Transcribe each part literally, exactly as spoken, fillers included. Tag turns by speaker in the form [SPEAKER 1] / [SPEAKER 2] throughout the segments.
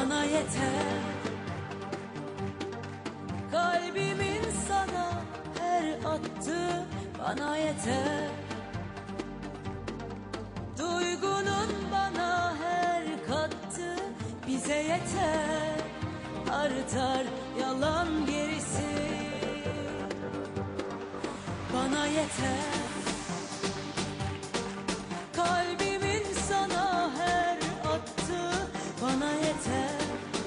[SPEAKER 1] bana yeter. Kalbimin sana her attığı bana yeter. Duygunun bana her kattığı bize yeter. Artar yalan gerisi bana yeter. Kalbimin sana her attığı bana yeter.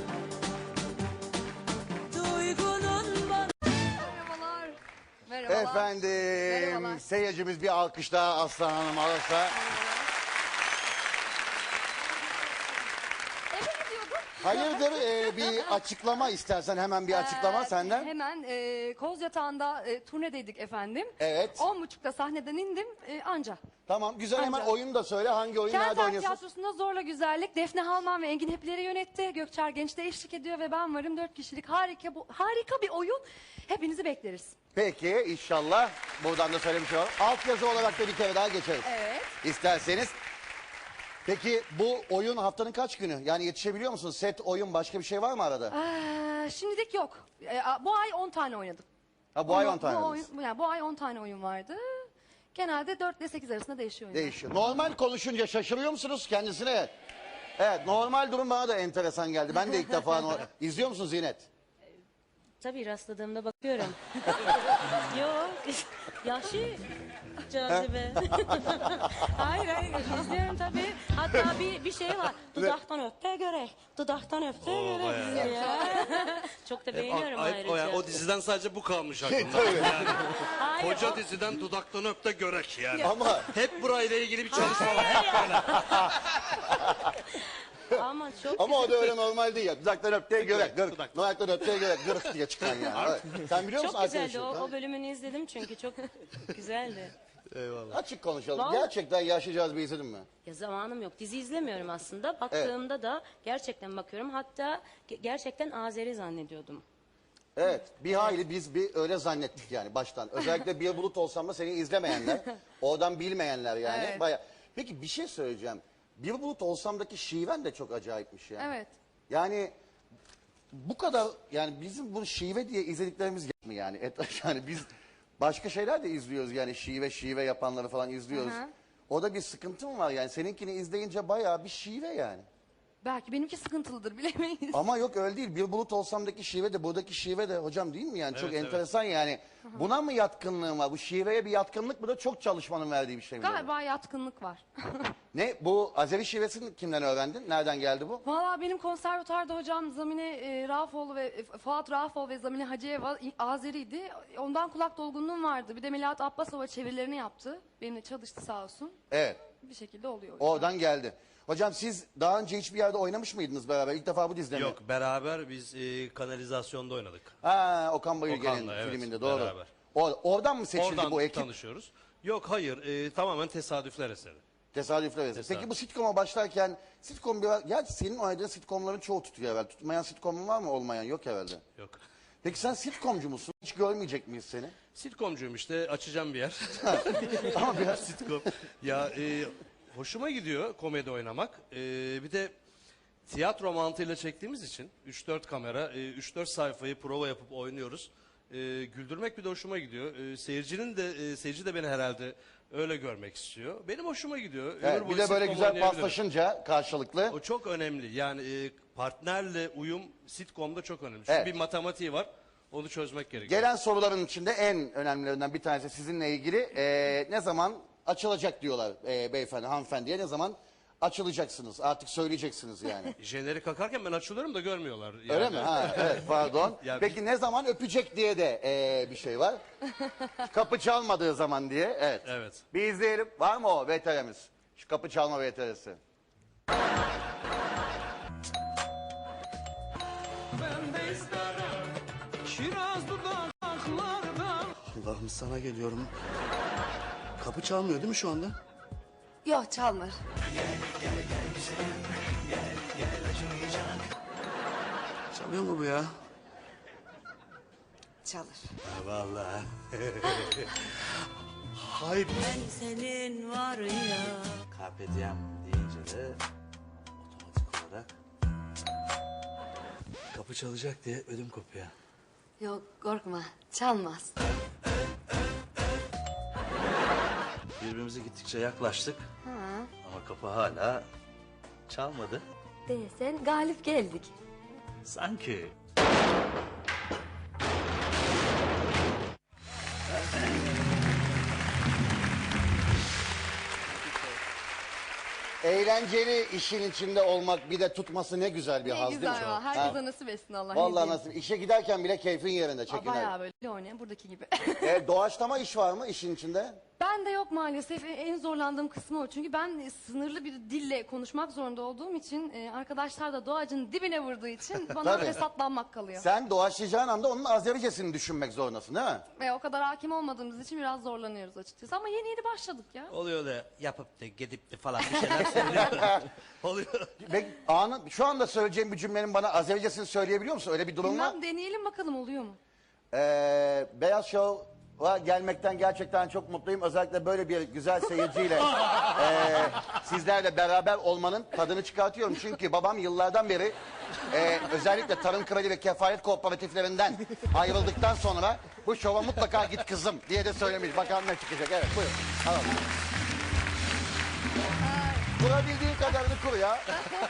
[SPEAKER 1] Duygunun bana...
[SPEAKER 2] Merhabalar. Merhabalar.
[SPEAKER 3] Efendim,
[SPEAKER 2] Merhabalar.
[SPEAKER 3] seyircimiz bir alkış daha Aslan Hanım alırsa.
[SPEAKER 2] Eve gidiyordum.
[SPEAKER 3] Hayırdır e, bir açıklama istersen hemen bir açıklama
[SPEAKER 2] Ee,
[SPEAKER 3] senden.
[SPEAKER 2] Hemen e, Koz Yatağı'nda e, turnedeydik efendim.
[SPEAKER 3] Evet.
[SPEAKER 2] On buçukta sahneden indim e, anca.
[SPEAKER 3] Tamam güzel, hemen
[SPEAKER 2] Ancak-
[SPEAKER 3] oyunu da söyle, hangi oyun, nerede
[SPEAKER 2] Kenter
[SPEAKER 3] oynuyorsun?
[SPEAKER 2] Tiyatrosu'nda Zorla Güzellik, Defne Halman ve Engin Hepleri yönetti. Gökçer Genç de eşlik ediyor ve ben varım. Dört kişilik harika bu harika bir oyun. Hepinizi bekleriz.
[SPEAKER 3] Peki inşallah buradan da söylemiş olalım. Altyazı olarak da bir kere daha geçeriz.
[SPEAKER 2] Evet.
[SPEAKER 3] İsterseniz. Peki bu oyun haftanın kaç günü? Yani yetişebiliyor musunuz? Set, oyun, başka bir şey var mı arada?
[SPEAKER 2] Ee, şimdilik yok. Ee, bu ay on tane oynadım.
[SPEAKER 3] Ha, bu ay
[SPEAKER 2] Onu-
[SPEAKER 3] on tane
[SPEAKER 2] bu,
[SPEAKER 3] oynadınız.
[SPEAKER 2] oyun, yani bu ay on tane oyun vardı. Genelde dört ile sekiz arasında değişiyor oyunlar.
[SPEAKER 3] Değişiyor. Normal konuşunca şaşırıyor musunuz kendisine? Evet, normal durum bana da enteresan geldi. Ben de ilk defa no- izliyor musun Zinet?
[SPEAKER 1] Tabii rastladığımda bakıyorum. Yok. Yaşı cazibe. hayır hayır izliyorum tabii. Hatta bir bir şey var. Dudaktan öpte göre. Dudaktan öpte göre. Ya. Çok da beğeniyorum
[SPEAKER 4] Ay- ay-
[SPEAKER 1] ayrıca.
[SPEAKER 4] o, yani o diziden sadece bu kalmış aklımda.
[SPEAKER 3] Tabii.
[SPEAKER 4] Yani,
[SPEAKER 1] Hayır,
[SPEAKER 4] koca
[SPEAKER 1] o-
[SPEAKER 4] diziden dudaktan öp de görek yani.
[SPEAKER 3] Ama
[SPEAKER 4] Hep burayla ilgili bir çalışma var. Hep böyle.
[SPEAKER 1] Ama çok
[SPEAKER 3] ama o da öyle normal değil ya. Dudaktan öpteye göre. Gırk.
[SPEAKER 4] Dudak.
[SPEAKER 3] Dudaktan öpteye göre. Gırk diye çıkan yani. Evet. Sen biliyor musun
[SPEAKER 1] çok güzeldi.
[SPEAKER 3] arkadaşım?
[SPEAKER 1] O, o bölümünü izledim çünkü çok güzeldi.
[SPEAKER 3] Açık konuşalım.
[SPEAKER 1] Vallahi-
[SPEAKER 3] Gerçekten Yaşlı Cazibe izledin mi?
[SPEAKER 1] Ya zamanım yok. Dizi izlemiyorum aslında. Baktığımda da gerçekten bakıyorum. Hatta ge- gerçekten Azeri zannediyordum.
[SPEAKER 3] Evet. Bir hayli biz bir öyle zannettik yani baştan. Özellikle Bir Bulut Olsam da seni izlemeyenler, oradan bilmeyenler yani.
[SPEAKER 2] Evet.
[SPEAKER 3] Baya... Peki bir şey söyleyeceğim. Bir Bulut Olsam'daki şiven de çok acayipmiş ya.
[SPEAKER 2] Evet.
[SPEAKER 3] Yani bu kadar, yani bizim bu şive diye izlediklerimiz yok mu yani? Et, yani biz başka şeyler de izliyoruz yani, şive şive yapanları falan izliyoruz.
[SPEAKER 2] Hı hı.
[SPEAKER 3] O da bir sıkıntım var yani, seninkini izleyince bayağı bir şive yani.
[SPEAKER 2] Belki benimki sıkıntılıdır bilemeyiz.
[SPEAKER 3] Ama yok öyle değil. Bir Bulut Olsam'daki şive de buradaki şive de hocam değil mi yani? Çok
[SPEAKER 4] Evet,
[SPEAKER 3] enteresan yani. Buna mı yatkınlığın var? Bu şiveye bir yatkınlık mı da çok çalışmanın verdiği bir şey mi?
[SPEAKER 2] Galiba yatkınlık var.
[SPEAKER 3] Ne? Bu Azeri şivesini kimden öğrendin? Nereden geldi bu?
[SPEAKER 2] Valla benim konservatuarda hocam Zamine e, Rafoğlu ve e, Fuat Rafoğlu ve Zamine Hacıyeva İ- Azeriydi. Ondan kulak dolgunluğum vardı. Bir de Melahat Abbasova çevirilerini yaptı. Benimle çalıştı sağ olsun.
[SPEAKER 3] Evet.
[SPEAKER 2] Bir şekilde oluyor.
[SPEAKER 3] Oradan geldi. Hocam siz daha önce hiçbir yerde oynamış mıydınız beraber? İlk defa bu dizide mi?
[SPEAKER 4] Yok, beraber biz e, kanalizasyonda oynadık.
[SPEAKER 3] Ha, Okan Bayülgen'in
[SPEAKER 4] Okan'la, evet,
[SPEAKER 3] filminde doğru.
[SPEAKER 4] beraber.
[SPEAKER 3] O- oradan mı seçildi
[SPEAKER 4] Oradan
[SPEAKER 3] bu ekip?
[SPEAKER 4] tanışıyoruz. Yok, hayır, e, tamamen tesadüfler eseri.
[SPEAKER 3] Tesadüfler eseri.
[SPEAKER 4] Tesadüf.
[SPEAKER 3] Peki bu sitcom'a başlarken sitcom biraz... Ya senin oynadığın sitcomların çoğu tutuyor herhalde. Tutmayan sitcomun var mı? Olmayan yok herhalde.
[SPEAKER 4] Yok.
[SPEAKER 3] Peki sen sitcomcu musun? Hiç görmeyecek miyiz seni?
[SPEAKER 4] Sitcomcuyum işte, açacağım bir yer.
[SPEAKER 3] Ama biraz
[SPEAKER 4] Sitcom. Ya e, hoşuma gidiyor komedi oynamak. E, bir de tiyatro mantığıyla çektiğimiz için üç dört kamera, e, üç dört sayfayı prova yapıp oynuyoruz. E, güldürmek bir de hoşuma gidiyor. E, seyircinin de e, seyirci de beni herhalde öyle görmek istiyor. Benim hoşuma gidiyor. Ömür
[SPEAKER 3] Evet, bir
[SPEAKER 4] boyu
[SPEAKER 3] de böyle
[SPEAKER 4] sitcom
[SPEAKER 3] güzel
[SPEAKER 4] oynayabilirim.
[SPEAKER 3] paslaşınca karşılıklı.
[SPEAKER 4] O çok önemli. Yani e, partnerle uyum sitcomda çok önemli. Çünkü
[SPEAKER 3] Evet.
[SPEAKER 4] bir matematiği var. Onu çözmek gerekiyor.
[SPEAKER 3] Gelen soruların içinde en önemlilerinden bir tanesi sizinle ilgili. Ee, ne zaman açılacak diyorlar e, beyefendi, hanımefendiye. Ne zaman açılacaksınız? Artık söyleyeceksiniz yani.
[SPEAKER 4] Jeneri kakarken ben açılıyorum da görmüyorlar. Yani.
[SPEAKER 3] Öyle mi? Ha, evet, pardon.
[SPEAKER 4] Ya
[SPEAKER 3] Peki ne zaman öpecek diye de e, bir şey var. Kapı çalmadığı zaman diye. Evet.
[SPEAKER 4] Evet.
[SPEAKER 3] Bir izleyelim. Var mı o V T R'miz? Şu kapı çalma V T R'si.
[SPEAKER 5] Allah'ım sana geliyorum. Kapı çalmıyor değil mi şu anda?
[SPEAKER 2] Yok çalmır.
[SPEAKER 5] Çalıyor mu bu ya?
[SPEAKER 2] Çalır.
[SPEAKER 5] Vallahi. Hayır.
[SPEAKER 1] Ben senin var ya.
[SPEAKER 5] Carpe diem deyince de otomatik olarak Kapı çalacak diye ödüm kopuyor.
[SPEAKER 2] Yok korkma çalmaz.
[SPEAKER 5] Birbirimize gittikçe yaklaştık. Ama kapı hala çalmadı.
[SPEAKER 2] Değilsen galip geldik.
[SPEAKER 5] Sanki.
[SPEAKER 3] Eğlenceli işin içinde olmak bir de tutması ne güzel bir
[SPEAKER 2] Ne
[SPEAKER 3] haz değil mi?
[SPEAKER 2] güzel ya.
[SPEAKER 3] Ha?
[SPEAKER 2] Herkese nasip etsin Allah. ne
[SPEAKER 3] Vallahi
[SPEAKER 2] diyeyim.
[SPEAKER 3] nasıl işe giderken bile keyfin yerinde
[SPEAKER 2] Aa,
[SPEAKER 3] çekin.
[SPEAKER 2] bayağı böyle oynayan buradaki gibi.
[SPEAKER 3] E, doğaçlama iş var mı işin içinde?
[SPEAKER 2] Ben de yok maalesef. E, En zorlandığım kısmı o. Çünkü ben e, sınırlı bir dille konuşmak zorunda olduğum için e, arkadaşlar da doğacın dibine vurduğu için bana
[SPEAKER 3] Tabii.
[SPEAKER 2] fesatlanmak kalıyor.
[SPEAKER 3] Sen doğaçlayacağın anda onun Azericesini düşünmek zorundasın değil mi?
[SPEAKER 2] Ve o kadar hakim olmadığımız için biraz zorlanıyoruz açıkçası. Ama yeni yeni başladık ya.
[SPEAKER 4] Oluyor da yapıp da gidip de falan bir şeyler söylüyor. Oluyor.
[SPEAKER 3] Ve anı, şu anda söyleyeceğim bir cümlenin bana Azericesini söyleyebiliyor musun? Öyle bir durum var.
[SPEAKER 2] Bilmem deneyelim bakalım oluyor mu?
[SPEAKER 3] Ee, Beyaz Show'a gelmekten gerçekten çok mutluyum. Özellikle böyle bir güzel seyirciyle ee, sizlerle beraber olmanın tadını çıkartıyorum. Çünkü babam yıllardan beri ee, özellikle tarım kredi ve kefalet kooperatiflerinden ayrıldıktan sonra bu şova mutlaka git kızım diye de söylemiş. Bakalım ne çıkacak. Evet buyurun. Alalım. Kurabildiği kadarını kur ya.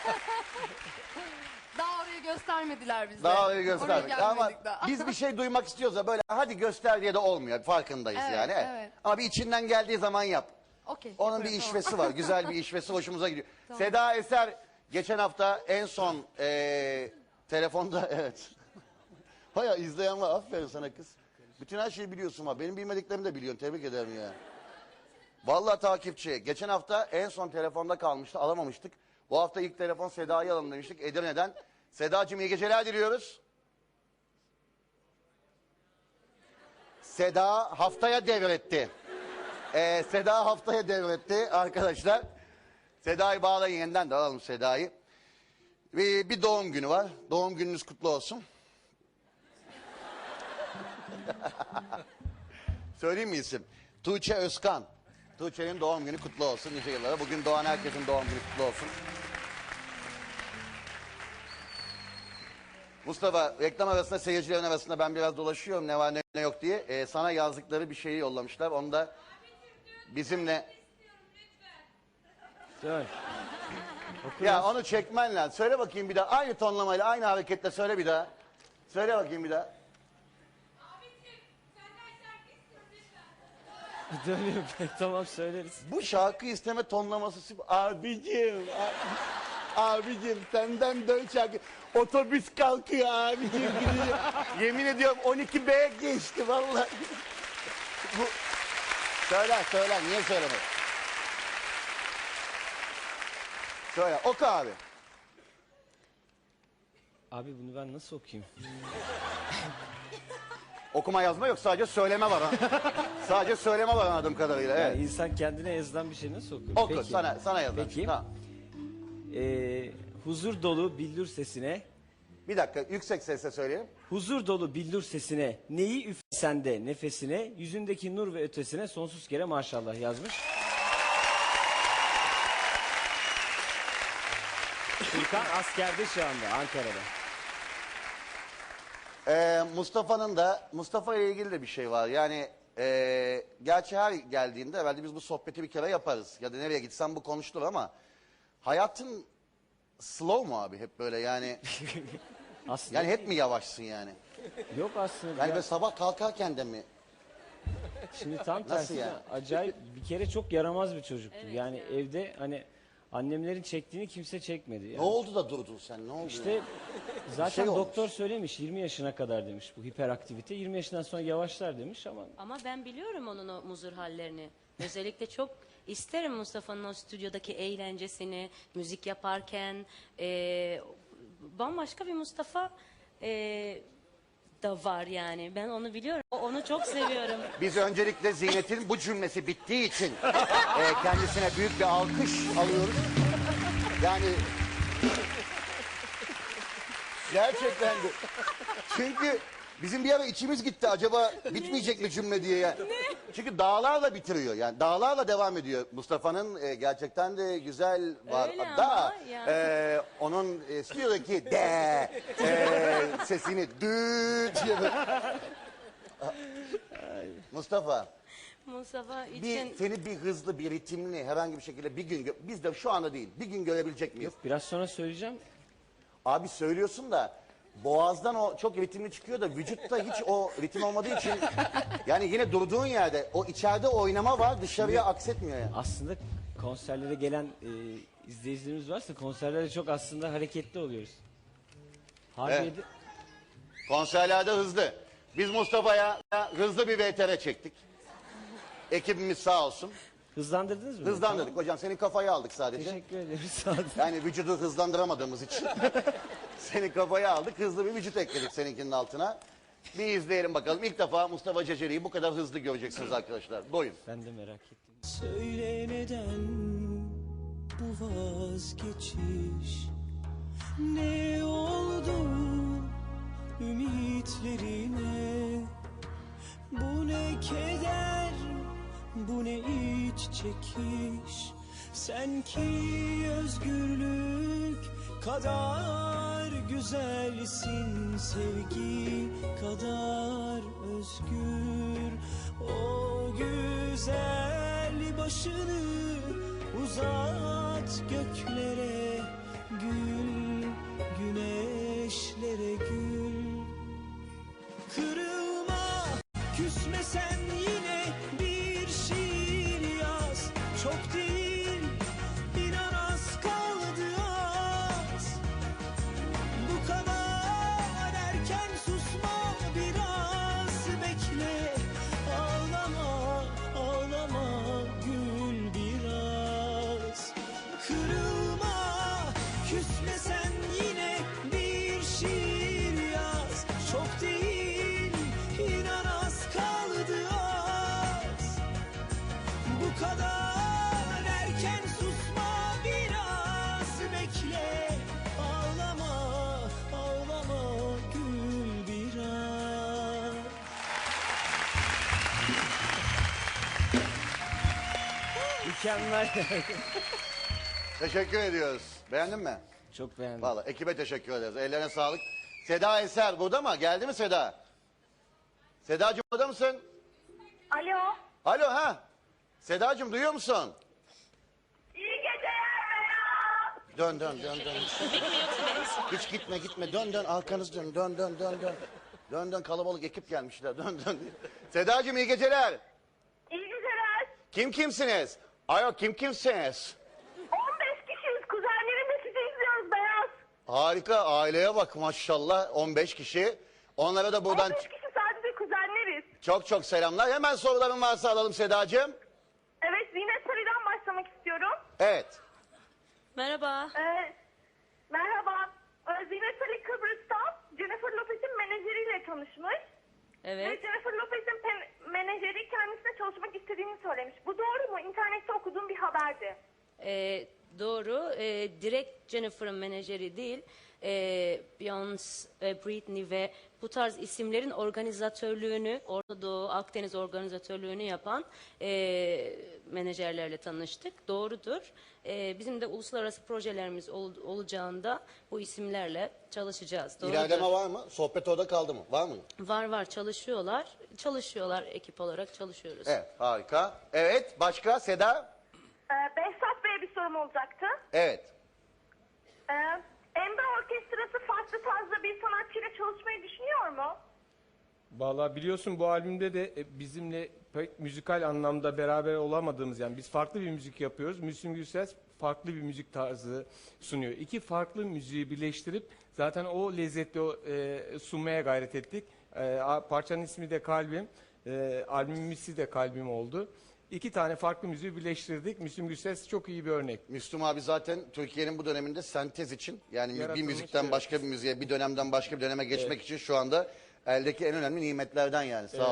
[SPEAKER 2] Daha orayı göstermediler bize.
[SPEAKER 3] Daha öyle
[SPEAKER 2] Oraya
[SPEAKER 3] göstermek.
[SPEAKER 2] gelmedik
[SPEAKER 3] Ama
[SPEAKER 2] daha.
[SPEAKER 3] biz bir şey duymak istiyoruz da böyle hadi göster diye de olmuyor. Farkındayız
[SPEAKER 2] Evet,
[SPEAKER 3] yani.
[SPEAKER 2] evet.
[SPEAKER 3] Ama bir içinden geldiği zaman yap.
[SPEAKER 2] Okey.
[SPEAKER 3] Onun bir
[SPEAKER 2] yaparım,
[SPEAKER 3] işvesi
[SPEAKER 2] tamam.
[SPEAKER 3] var. Güzel bir işvesi hoşumuza gidiyor. Seda Eser geçen hafta en son eee, telefonda evet. Baya izleyen var. Aferin sana kız. Bütün her şeyi biliyorsun var. Benim bilmediklerimi de biliyorsun. Tebrik ederim ya. Vallahi takipçi. Geçen hafta en son telefonda kalmıştı. Alamamıştık. Bu hafta ilk telefon Seda'yı alalım demiştik. Edirne'den. Sedacığım iyi geceler diliyoruz. Seda haftaya devretti. Ee, Seda haftaya devretti arkadaşlar. Seda'yı bağlayın yeniden de alalım Seda'yı. Bir, bir doğum günü var. Doğum gününüz kutlu olsun. Söyleyeyim mi isim? Tuğçe Özkan. Tuğçe'nin doğum günü kutlu olsun nice yıllara. Bugün doğan herkesin doğum günü kutlu olsun. Mustafa reklam arasında seyircilerin arasında ben biraz dolaşıyorum ne var ne, ne yok diye. Ee, sana yazdıkları bir şeyi yollamışlar. Onu da bizimle...
[SPEAKER 6] Söyle.
[SPEAKER 3] Ya onu çekmen lazım. Söyle bakayım bir daha. Aynı tonlamayla aynı hareketle söyle bir daha. Söyle bakayım bir daha.
[SPEAKER 6] Dönüyorum pek tamam söyleriz.
[SPEAKER 3] Bu şarkı isteme tonlaması... süper- Abicim... a- Abicim senden dön şarkı. Otobüs kalkıyor abicim. gidiyor. Yemin ediyorum on iki B geçti vallahi. Bu... Söyle söyle niye söylemedin? Söyle oku abi.
[SPEAKER 6] Abi bunu ben nasıl okuyayım?
[SPEAKER 3] Okuma yazma yok sadece söyleme var ha. Sadece söyleme var anladığım kadarıyla.
[SPEAKER 6] Yani
[SPEAKER 3] Evet.
[SPEAKER 6] insan kendine yazılan bir şey nasıl okur?
[SPEAKER 3] Oku
[SPEAKER 6] Peki.
[SPEAKER 3] sana sana yazar.
[SPEAKER 6] Peki.
[SPEAKER 3] Tamam.
[SPEAKER 6] Ee, huzur dolu billur sesine,
[SPEAKER 3] Bir dakika yüksek sesle söyleyelim.
[SPEAKER 6] huzur dolu billur sesine, neyi üflesen de nefesine, yüzündeki nur ve ötesine sonsuz kere maşallah yazmış. Furkan askerde şu anda Ankara'da.
[SPEAKER 3] Ee, Mustafa'nın da Mustafa ile ilgili de bir şey var. Yani ee, gerçi her geldiğinde herhalde biz bu sohbeti bir kere yaparız. Ya da nereye gitsem bu konuşulur ama hayatın slow mu abi hep böyle yani
[SPEAKER 6] Aslında
[SPEAKER 3] yani hep mi yavaşsın yani?
[SPEAKER 6] yok aslında.
[SPEAKER 3] Yani
[SPEAKER 6] ya-
[SPEAKER 3] böyle sabah kalkarken de mi?
[SPEAKER 6] Şimdi tam
[SPEAKER 3] Nasıl
[SPEAKER 6] tersi
[SPEAKER 3] yani?
[SPEAKER 6] acayip bir kere çok yaramaz bir çocuktu. yani evde hani annemlerin çektiğini kimse çekmedi. Yani.
[SPEAKER 3] Ne oldu da durdun sen? Ne oldu?
[SPEAKER 6] İşte
[SPEAKER 3] ya?
[SPEAKER 6] zaten
[SPEAKER 3] şey olmuş.
[SPEAKER 6] doktor söylemiş yirmi yaşına kadar demiş bu hiperaktivite. yirmi yaşından sonra yavaşlar demiş ama
[SPEAKER 1] Ama ben biliyorum onun o muzur hallerini. Özellikle çok isterim Mustafa'nın o stüdyodaki eğlencesini, müzik yaparken. eee, bambaşka bir Mustafa eee, da var yani. Ben onu biliyorum. O- Onu çok seviyorum.
[SPEAKER 3] Biz öncelikle Zeynep'in bu cümlesi bittiği için e, kendisine büyük bir alkış alıyoruz. Yani gerçekten de. Çünkü Bizim bir ara içimiz gitti acaba bitmeyecek mi cümle diye. Yani. Çünkü dağlarla bitiriyor yani dağlarla devam ediyor. Mustafa'nın e, gerçekten de güzel var.
[SPEAKER 1] Öyle
[SPEAKER 3] Da
[SPEAKER 1] ama yani.
[SPEAKER 3] e, onun e, stüdyodaki de e, sesini düt diye böyle. Mustafa
[SPEAKER 1] Mustafa
[SPEAKER 3] bir,
[SPEAKER 1] için
[SPEAKER 3] seni bir hızlı bir ritimli herhangi bir şekilde bir gün gö- biz de şu anda değil bir gün görebilecek miyiz?
[SPEAKER 6] Biraz sonra söyleyeceğim.
[SPEAKER 3] Abi söylüyorsun da boğazdan o çok ritimli çıkıyor da vücutta hiç o ritim olmadığı için yani yine durduğun yerde o içeride oynama var dışarıya aksetmiyor yani.
[SPEAKER 6] Aslında konserlere gelen e, izleyicilerimiz varsa konserlerde çok aslında hareketli oluyoruz. Harbiye'de
[SPEAKER 3] Konserlerde hızlı. Biz Mustafa'ya hızlı bir V T R çektik. Ekibimiz sağ olsun.
[SPEAKER 6] hızlandırdınız mı?
[SPEAKER 3] Hızlandırdık hocam senin kafayı aldık sadece.
[SPEAKER 6] Teşekkür ederiz. Sağ olun.
[SPEAKER 3] Yani vücudu hızlandıramadığımız için senin kafayı aldık hızlı bir vücut ekledik seninkinin altına. Bir izleyelim bakalım. İlk defa Mustafa Ceceli'yi bu kadar hızlı göreceksiniz arkadaşlar. Doyun.
[SPEAKER 6] Ben de merak ettim.
[SPEAKER 7] Söyle neden bu vazgeçiş? Ne oldu ümitlerine? Bu ne keder, bu ne iç çekiş? Sen ki özgürlük kadar güzelsin, sevgi kadar özgür. O güzel başını uzat göklere, gül güneşlere gül. Kırılma, küsme sen yine bir şiir yaz. Çok değil, inan az kaldı az. Bu kadar erken susma, biraz bekle. Ağlama, ağlama, gül biraz. Kırılma, küsme sen yine bir şiir yaz. Çok değil, inan az kaldı az. Bu kadar erken susma, biraz bekle. Ağlama, ağlama, gül biraz.
[SPEAKER 6] Mükemmel.
[SPEAKER 3] Teşekkür ediyoruz. Beğendin mi?
[SPEAKER 6] Çok beğendim.
[SPEAKER 3] Vallahi ekibe teşekkür ederiz. Ellerine sağlık. Seda Eser burada mı? Geldi mi Seda? Sedacığım burada mısın?
[SPEAKER 8] Alo.
[SPEAKER 3] Alo ha? Sedacığım duyuyor musun?
[SPEAKER 8] İyi geceler Berat.
[SPEAKER 3] Dön dön dön dön. Hiç gitme gitme dön dön arkanız dön dön dön dön dön. Dön dön kalabalık ekip gelmişler dön dön. Sedacığım iyi geceler.
[SPEAKER 8] İyi geceler.
[SPEAKER 3] Kim kimsiniz? Ayo kim kimsiniz?
[SPEAKER 8] on beş kişiyiz. Kuzenlerimle sizi izliyoruz Beyaz.
[SPEAKER 3] Harika aileye bak maşallah on beş kişi. Onlara da buradan
[SPEAKER 8] on beş kişi sadece kuzenleriz.
[SPEAKER 3] çok çok selamlar. Hemen soruların varsa alalım Sedacığım.
[SPEAKER 8] Evet, Zinet Sarı'dan başlamak istiyorum.
[SPEAKER 3] Evet.
[SPEAKER 1] merhaba.
[SPEAKER 8] Ee, merhaba. Ee, Zinet Sarı Kıbrıs'ta Jennifer Lopez'in menajeriyle tanışmış. Ve
[SPEAKER 1] Evet.
[SPEAKER 8] Jennifer Lopez'in pen- menajeri kendisine çalışmak istediğini söylemiş. Bu doğru mu? İnternette okuduğum bir haberdi.
[SPEAKER 1] Ee, doğru. Ee, direkt Jennifer'ın menajeri değil. Ee, Beyoncé, e, Britney ve bu tarz isimlerin organizatörlüğünü, Orta Doğu, Akdeniz organizatörlüğünü yapan e, menajerlerle tanıştık. Doğrudur. Ee, bizim de uluslararası projelerimiz ol- olacağında bu isimlerle çalışacağız. Doğrudur.
[SPEAKER 3] İlerleme var mı? Sohbet orada kaldı mı? Var mı?
[SPEAKER 1] Var var çalışıyorlar. Çalışıyorlar ekip olarak çalışıyoruz.
[SPEAKER 3] Evet harika. Evet başka Seda?
[SPEAKER 8] Ee, Behzat Bey'e bir sorum olacaktı.
[SPEAKER 3] Evet.
[SPEAKER 8] Ee, Emre Orkestrası farklı tarzda bir sanatçıyla çalışmayı düşünüyor mu?
[SPEAKER 9] Vallahi biliyorsun bu albümde de e, bizimle pek müzikal anlamda beraber olamadığımız yani biz farklı bir müzik yapıyoruz. Müslüm Gürses farklı bir müzik tarzı sunuyor. İki farklı müziği birleştirip zaten o lezzeti o, e, sunmaya gayret ettik. E, a- parçanın ismi de Kalbim, e, albümün ismi de Kalbim oldu. İki tane farklı müziği birleştirdik. Müslüm Gürses çok iyi bir örnek.
[SPEAKER 3] Müslüm abi zaten Türkiye'nin bu döneminde sentez için yani bir
[SPEAKER 9] Yaratılmış,
[SPEAKER 3] müzikten
[SPEAKER 9] evet.
[SPEAKER 3] başka bir müziğe bir dönemden başka bir döneme geçmek için şu anda eldeki en önemli nimetlerden yani. Sağ